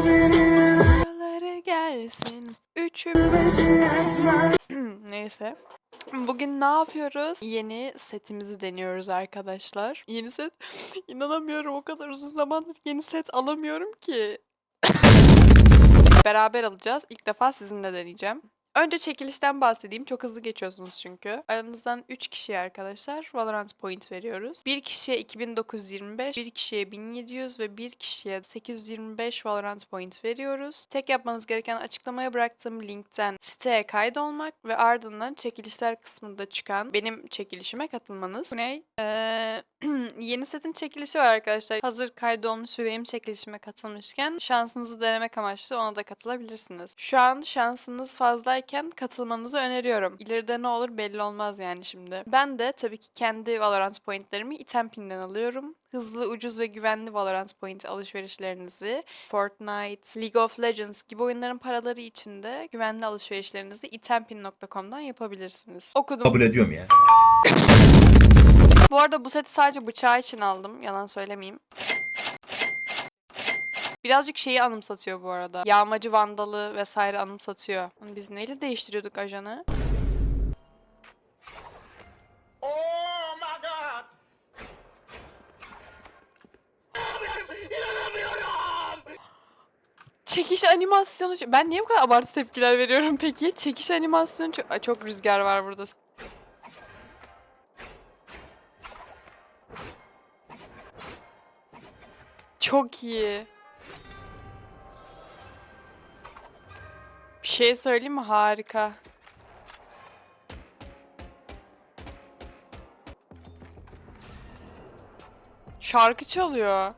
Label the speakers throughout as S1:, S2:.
S1: Buraları gelsin. Neyse. Bugün ne yapıyoruz? Yeni setimizi deniyoruz arkadaşlar. Yeni set. İnanamıyorum, o kadar uzun zamandır yeni set alamıyorum ki. Beraber alacağız. İlk defa sizinle deneyeceğim. Önce çekilişten bahsedeyim. Çok hızlı geçiyorsunuz çünkü. Aranızdan 3 kişiye arkadaşlar Valorant point veriyoruz. 1 kişiye 2925, 1 kişiye 1700 ve 1 kişiye 825 Valorant point veriyoruz. Tek yapmanız gereken açıklamaya bıraktığım linkten siteye kaydolmak ve ardından çekilişler kısmında çıkan benim çekilişime katılmanız. Bu ne? Yeni setin çekilişi var arkadaşlar. Hazır kaydolmuş ve benim çekilişime katılmışken şansınızı denemek amaçlı ona da katılabilirsiniz. Şu an şansınız fazlayken katılmanızı öneriyorum. İleride ne olur belli olmaz yani şimdi. Ben de tabii ki kendi Valorant pointlerimi Itempin'den alıyorum. Hızlı, ucuz ve güvenli Valorant point alışverişlerinizi Fortnite, League of Legends gibi oyunların paraları için de güvenli alışverişlerinizi itempin.com'dan yapabilirsiniz. Okudum.
S2: Kabul ediyorum ya.
S1: Bu arada bu seti sadece bıçağı için aldım. Yalan söylemeyeyim. Birazcık şeyi anımsatıyor bu arada. Yağmacı Vandalı vesaire anımsatıyor. Biz neyle değiştiriyorduk ajanı?
S3: Oh my god! İnanamıyorum!
S1: Çekiş animasyonu... Ben niye bu kadar abartı tepkiler veriyorum peki? Çekiş animasyonu çok... Ay, çok rüzgar var burada. Çok iyi. Bir şey söyleyeyim mi? Harika. Şarkı çalıyor.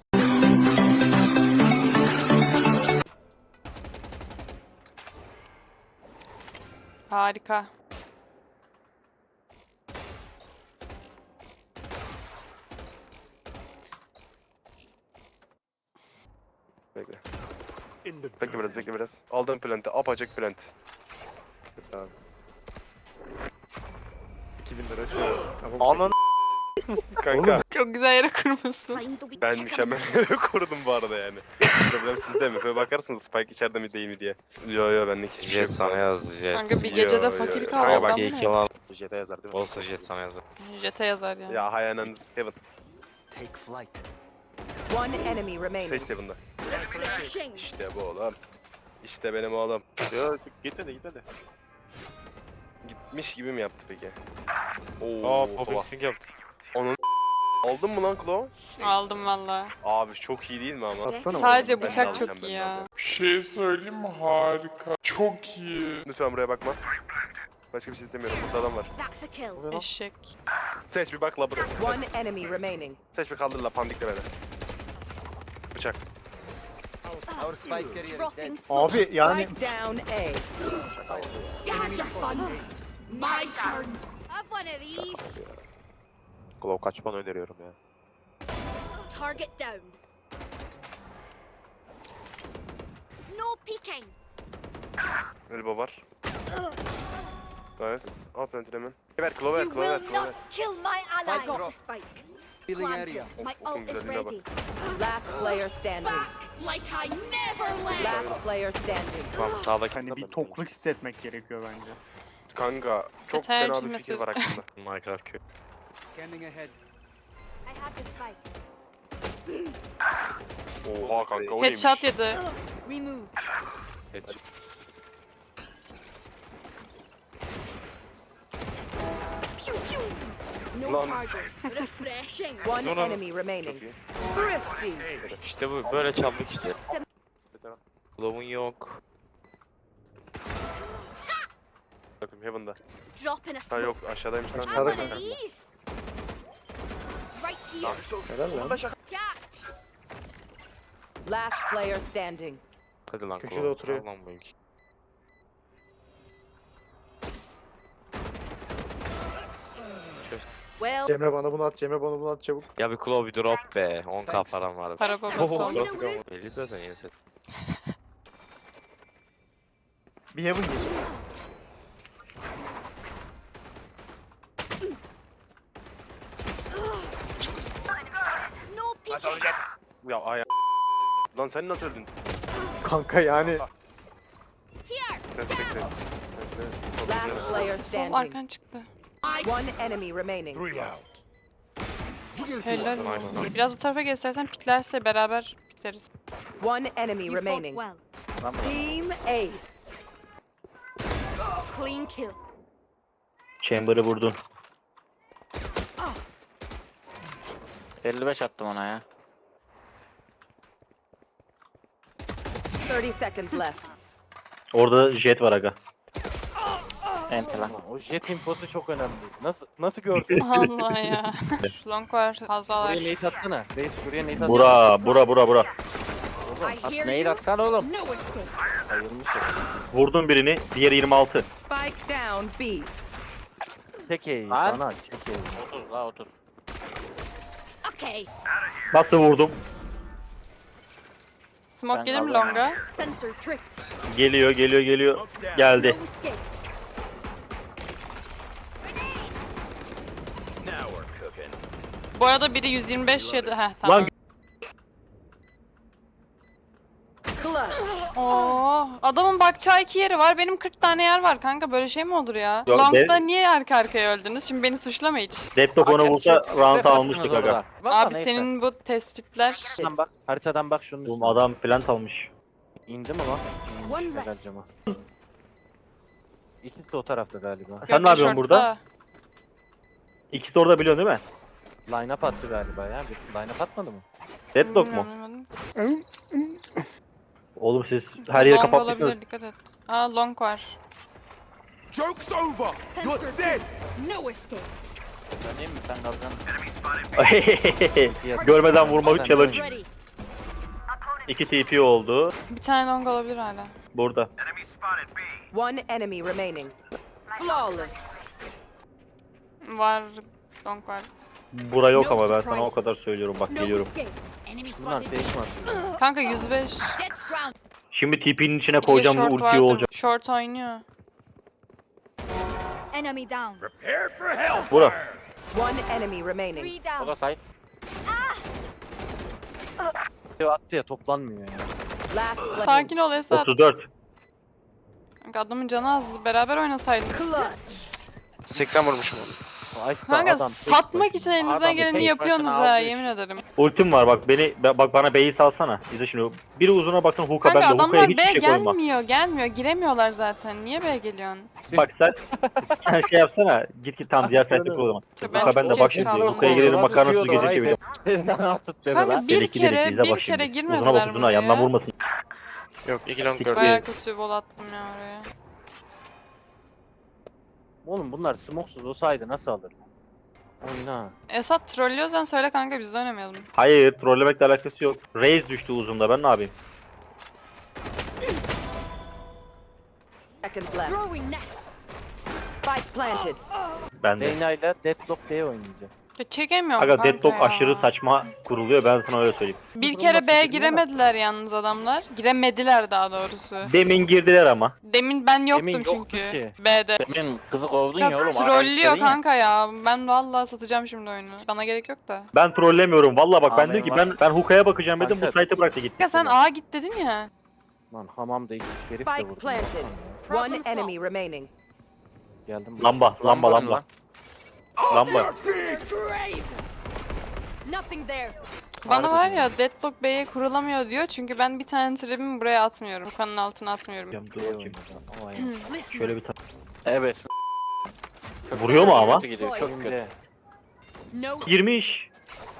S1: Harika.
S4: Bekle. Bekle biraz. Aldım plant'i. Apaçık plant. Tamam.
S5: 2000 lira şu.
S4: Anan kanka.
S1: Çok güzel yere kurmuşsun.
S4: Ben mükemmel yere korudum bu arada yani. Problem sizde mi? Böyle bakarsınız Spike içeride mi değil mi diye. Yo benlik hiçbir şey
S5: Jet
S4: yok.
S5: sana yazdı Jet.
S1: Kanka bir gecede
S4: Yo,
S1: fakir
S4: yo.
S1: kaldı
S4: Kanka bak,
S1: adam
S5: İyi
S1: mı?
S5: ki lan.
S3: Jet'e yazar değil mi?
S5: Olsun Jet sana yazdı.
S1: Jet'e yazar ya.
S4: Ya hayanen Heaven.
S3: Take flight.
S6: One enemy remaining.
S4: Seç Heaven'da. İşte bu oğlum. İşte benim oğlum.
S5: Yo gitmedi.
S4: Gitmiş gibi mi yaptı peki?
S5: Aa
S4: Baba.
S5: popixing yaptı.
S4: Aldın mı lan Claw?
S1: Aldım valla.
S4: Abi çok iyi değil mi ama?
S3: Atsana
S1: Sadece
S4: Ben de
S1: bıçak
S4: alacağım,
S1: çok
S4: ben de
S1: iyi ya.
S4: alacağım.
S7: Bir şey söyleyeyim mi? Harika. Çok iyi.
S4: Lütfen buraya bakma. Başka bir şey istemiyorum. Burada adam var.
S1: Eşek.
S4: Seç bir bak la buraya.
S6: One enemy remaining.
S4: Seç bir kaldır la pandikle beni. Bıçak.
S3: Our spike carrier is dead.
S5: Abi yani
S6: Spike down A.
S5: Glow kaçmanı öneriyorum ya.
S8: Target down. No peeking.
S4: Elbow var. Nice. Al plantini hemen. Ver Claw ver
S8: You
S4: Claw ver
S8: will
S4: Claw ver.
S8: not kill my ally.
S3: Spike drop.
S8: Spike.
S3: Healing
S8: Planted.
S3: area.
S8: My
S4: Of,
S8: ult is
S4: güzelliğine bak.
S8: ready.
S6: Last player standing.
S8: Back like I never left.
S6: Last player standing.
S5: Tamam sağdaki
S9: Hani bir tokluk hissetmek gerekiyor bence.
S4: Kanka çok
S1: Yeter
S4: fena bir
S1: cümlesi.
S4: fikir var aklımda.
S5: Minecraft köy.
S3: Scanning ahead.
S8: I have the spike.
S4: Oha kanka o neymiş?
S1: Headshot yedi.
S8: Remove. Pew pew. No
S4: Lan.
S8: charges. Refreshing.
S6: One
S4: Sonra-
S6: enemy
S4: Çok
S6: remaining.
S4: iyi.
S6: Thrifty.
S5: İşte bu böyle çaldık işte. Glow'un yok.
S4: Bakayım Heaven'da.
S8: Drop in a
S4: Ha
S8: smoke.
S4: yok aşağıdaymış lan.
S8: I'm one of these. Right here. Catch.
S6: Last player standing.
S5: Hadi lan
S9: Köşede
S5: Glow.
S9: oturuyor.
S5: Al lan bu ilk.
S6: Well,
S9: Cemre bana bunu at, Cemre bana bunu at çabuk.
S5: Ya bir Glow bir drop be. 10k param var.
S1: Para babası oldu.
S5: Belli zaten yeni set.
S9: Bir heaven geçti.
S8: No peeking.
S4: Ya ay. Lan sen nasıl öldün?
S9: Kanka yani.
S6: Last player
S1: Sol
S6: standing.
S1: arkan çıktı.
S6: One enemy remaining.
S1: Helal olsun. Biraz bu tarafa göstersen piklerse beraber pikleriz.
S6: One enemy
S8: You fought
S6: remaining.
S8: well.
S6: Team Ace.
S8: Clean kill.
S2: Chamber'ı vurdun.
S5: 55 attım ona ya.
S6: 30 seconds left.
S2: Orada jet var aga.
S5: Enti lan.
S10: O jet infosu çok önemli. Nasıl gördün?
S1: Allah ya. Long var fazlalar.
S10: Şuraya nade atsana. Reis şuraya nade atsana.
S2: Bura.
S8: I hear
S5: Neyi
S8: you.
S5: atsan oğlum?
S8: No escape.
S10: Sayılmış ya.
S2: Vurdum birini. Diğeri 26.
S6: Spike down B.
S10: Tek eğil
S5: Lan.
S10: bana. Tek eğil.
S5: 30 la 30.
S8: Okay.
S2: Nasıl vurdum?
S1: Smoke
S5: Ben
S1: gelir mi
S5: aldım.
S1: longa?
S8: Sensor tripped.
S2: Geliyor. Geldi.
S8: No escape.
S1: Bu arada biri 125 yedi. Heh tamam.
S2: Lan
S6: Clutch.
S1: Oo, adamın bakacağı 2 yeri var. Benim 40 tane yer var kanka. Böyle şey mi olur ya?
S2: Yok,
S1: Long'da
S2: de-
S1: niye arka arkaya öldünüz? Şimdi beni suçlama hiç.
S2: Deadlock onu vursa round almıştık
S5: Stres
S2: aga.
S5: attınız orada.
S1: Abi senin bu tespitler...
S10: Haritadan bak şunun
S2: Oğlum
S10: üstüne.
S2: adam plant almış.
S10: İndi mi lan?
S8: One
S10: İnmiş helal
S8: less.
S10: cama. İkisi de o tarafta galiba.
S2: Sen ne yapıyorsun burada? İkisi de orada biliyorsun değil mi?
S10: Line up attı galiba ya. Line up atmadı mı?
S2: Deadlock mu? Oğlum siz her yeri
S1: Long
S2: kapatmışsınız.
S1: olabilir, dikkat et. Aa long var.
S8: Sensor tripped. No escape.
S5: Döneyim mi sen kalacaksın?
S2: Görmeden vurmalı
S10: Sen
S2: challenge.
S8: Ready.
S2: 2 TP oldu.
S1: Bir tane long olabilir hala.
S2: Burada.
S6: One enemy remaining. Flawless.
S1: Var. Long var.
S2: Bura yok
S8: No
S2: ama ben sana o
S8: surprises.
S2: kadar söylüyorum bak
S8: No
S2: geliyorum.
S8: escape. Enemy
S10: Bunlar
S8: spotted.
S10: fake mi atıyor?
S1: Kanka 105.
S8: Jet's ground.
S2: Şimdi TP'nin içine
S1: Bir de
S2: koyacağım da
S1: short
S2: ulti
S1: vardı.
S2: olacak.
S1: Short oynuyor.
S8: Enemy down.
S2: Bura.
S6: One enemy remaining.
S8: Three
S5: O
S8: down.
S5: da site.
S10: Attı ya toplanmıyor ya.
S6: Last player.
S1: Sakin ol Esat.
S2: 34.
S1: Kanka adamın canı az. Beraber oynasaydınız.
S6: Clutch.
S5: 80 vurmuşum onu.
S10: Ay,
S1: Kanka
S10: adam tek
S1: satmak
S10: başına.
S1: için elinizden
S5: Adam
S1: geleni
S5: tek
S1: yapıyorsunuz
S5: başına
S1: ha
S5: aldı
S1: yemin ederim.
S2: Ultim var bak bak bana B'yi salsana. İzle şimdi. Biri uzuna baksana hook'a
S1: Kanka
S2: ben de hook'a
S1: adamlar
S2: hiç
S1: B
S2: şey koyma.
S1: gelmiyor. Giremiyorlar zaten. Niye B geliyorsun?
S2: Bak sen şey yapsana. Git tam diğer site'de kur o zaman.
S1: Ben
S2: Hook'a ben de
S1: çok
S2: bak
S1: geç
S2: şimdi.
S1: kaldım
S2: Hook'a
S1: bu
S2: girelim
S1: arada.
S2: makarnası gece çeviriyor.
S1: Kanka bir
S2: Dedeki
S1: kere
S2: izle bak
S1: bir
S2: şimdi.
S1: kere
S2: Uzuna
S1: girmediler
S2: bak uzuna yandan
S1: buraya.
S2: vurmasın.
S5: Yok 2 long
S2: Siktir.
S1: Baya kötü vol attım ya oraya.
S10: Oğlum bunlar smokesuz olsaydı nasıl alır? Oyna.
S1: Esat trollüyorsan söyle kanka biz de oynamayalım.
S2: Hayır trollemekle alakası yok. Raze düştü uzunda ben ne yapayım?
S6: Seconds left.
S8: Throwing net.
S6: Spike planted.
S2: Ben de.
S10: Reyna ile Deadlock B'ye oynayacak.
S1: Ya çekemiyorum
S2: Aga
S1: kanka
S2: Deadlock
S1: ya.
S2: aşırı saçma kuruluyor ben sana öyle söyleyeyim.
S1: Bir
S10: Durum
S1: kere
S10: nasıl
S1: B'ye
S10: bilmiyorum.
S1: giremediler yalnız adamlar. Giremediler daha doğrusu.
S2: Demin girdiler ama.
S1: Demin ben yoktum
S10: Demin yoktu
S1: çünkü
S10: ki.
S1: B'de.
S5: Benim kızı kovdun
S1: Ya
S5: ya oğlum.
S1: trollüyor kanka ya. Ben vallahi satacağım şimdi oyunu. Bana gerek yok da.
S2: Ben trollemiyorum valla bak ben
S5: Amin
S2: dedim ki
S5: var.
S2: ben hookaya bakacağım dedim bu
S10: Kanka.
S2: site'ı bıraktı gitti.
S1: Ya sen A git dedin ya.
S10: Lan hamamda iki herif de
S6: Spike
S10: vurdu.
S6: planted.
S8: Problem
S6: One
S8: solved.
S6: enemy remaining.
S10: Geldim.
S2: Lamba. Lamba.
S8: Nothing there.
S1: Bana var ya Deadlock B'ye kurulamıyor diyor çünkü ben bir tane tribimi buraya atmıyorum. Kanın altına atmıyorum.
S2: Dur
S10: B'ye
S2: bakayım.
S10: oynayacağım. O ayağım.
S8: Listen.
S2: Şöyle bir
S5: Evet.
S2: Vuruyor mu ama?
S5: Kötü gidiyor çok kötü.
S10: Şimdi
S8: No.
S2: Girmiş.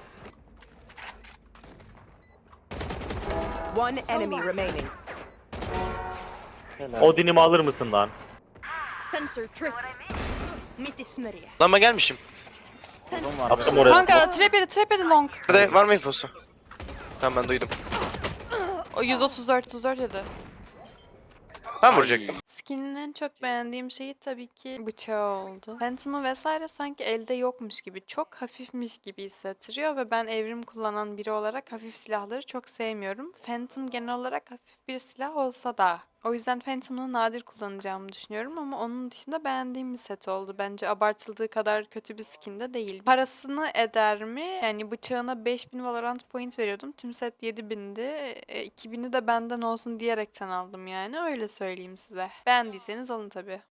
S6: One enemy remaining.
S10: helal.
S2: Odin'imi alır mısın lan?
S8: Sensor tripped. Mitt i smörja.
S5: Lan ben gelmişim.
S8: Sensor.
S2: Attım oraya.
S1: Kanka trap yedi long.
S5: Nerede var mı infosu? Tamam ben duydum.
S1: O 134 yedi.
S5: Ben vuracaktım.
S1: Skin'in en çok beğendiğim şeyi tabii ki bıçağı oldu. Phantom'ı vesaire sanki elde yokmuş gibi, çok hafifmiş gibi hissettiriyor ve ben evrim kullanan biri olarak hafif silahları çok sevmiyorum. Phantom genel olarak hafif bir silah olsa da O yüzden Phantom'ı nadir kullanacağımı düşünüyorum ama onun dışında beğendiğim bir set oldu. Bence abartıldığı kadar kötü bir skin de değil. Parasını eder mi? Yani bıçağına 5000 Valorant point veriyordum. Tüm set 7000'di. 2000'i de benden olsun diyerekten aldım yani. Öyle söyleyeyim size. Beğendiyseniz alın tabii.